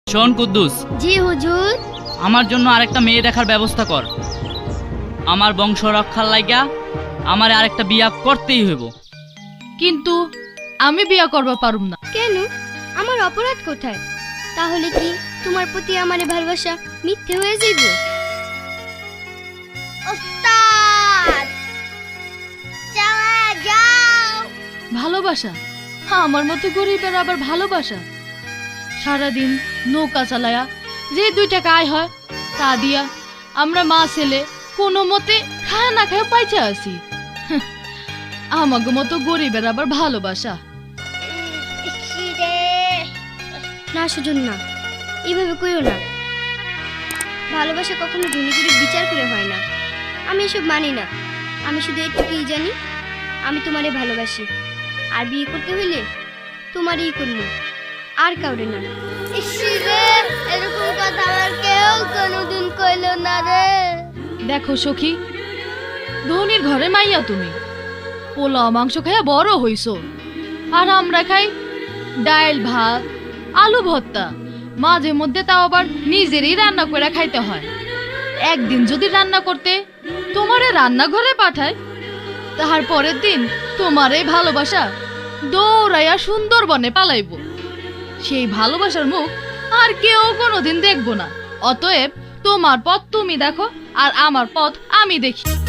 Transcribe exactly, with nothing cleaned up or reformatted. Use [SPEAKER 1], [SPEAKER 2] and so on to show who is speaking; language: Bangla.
[SPEAKER 1] শোন কুদ্দুস।
[SPEAKER 2] জি হুজুর।
[SPEAKER 1] আমার জন্য আরেকটা মেয়ে দেখার ব্যবস্থা কর। আমার বংশ রক্ষার লাইগা আমার আরেকটা বিয়া করতেই হইব।
[SPEAKER 3] কিন্তু আমি বিয়া করবা পারুম না।
[SPEAKER 2] কেন? আমার অপরাধ কোথায়? তাহলে কি তোমার প্রতি আমার ভালোবাসা মিথ্যে হয়ে যাইব? ওস্তাদ চালা যাও।
[SPEAKER 3] ভালোবাসা? হ্যাঁ, আমার মতো গরিবের আবার ভালোবাসা? সারাদিন নৌকা চালায়া যে দুই টাকা আয় হয় তা দিয়া আমরা মা ছেলে কোনো মতে খায় না খায় পাইচা আছি। আমাকে মতো গরিবের আবার ভালোবাসা?
[SPEAKER 2] না সুজন না, এইভাবে কইও না। ভালোবাসা কখনো ধনী করে বিচার করে হয় না। আমি এসব মানি না। আমি শুধু এটুকুই জানি, আমি তোমারে ভালোবাসি, আর বিয়ে করতে হইলে তোমারই করবো, আর কাউরে না। এরকম কথা আমার কেউ কোনোদিন কইল না রে।
[SPEAKER 3] দেখো সখী, ধনির ঘরে মাইয়া তুমি, পোলাও মাংস খাইয়া বড় হইছো, আর আমরা খাই ডাল ভাত আলু ভর্তা, মাঝে মধ্যে তাও আবার নিজেরই রান্না করে খাইতে হয়। একদিন যদি রান্না করতে তোমারে রান্নাঘরে পাঠায়, তাহার পরের দিন তোমার এই ভালোবাসা দৌড়াইয়া সুন্দরবনে পালাইব। সেই ভালোবাসার মুখ আর কেউ কোনোদিন দেখবো না। অতএব তোমার পথ তুমি দেখো, আর আমার পথ আমি দেখি।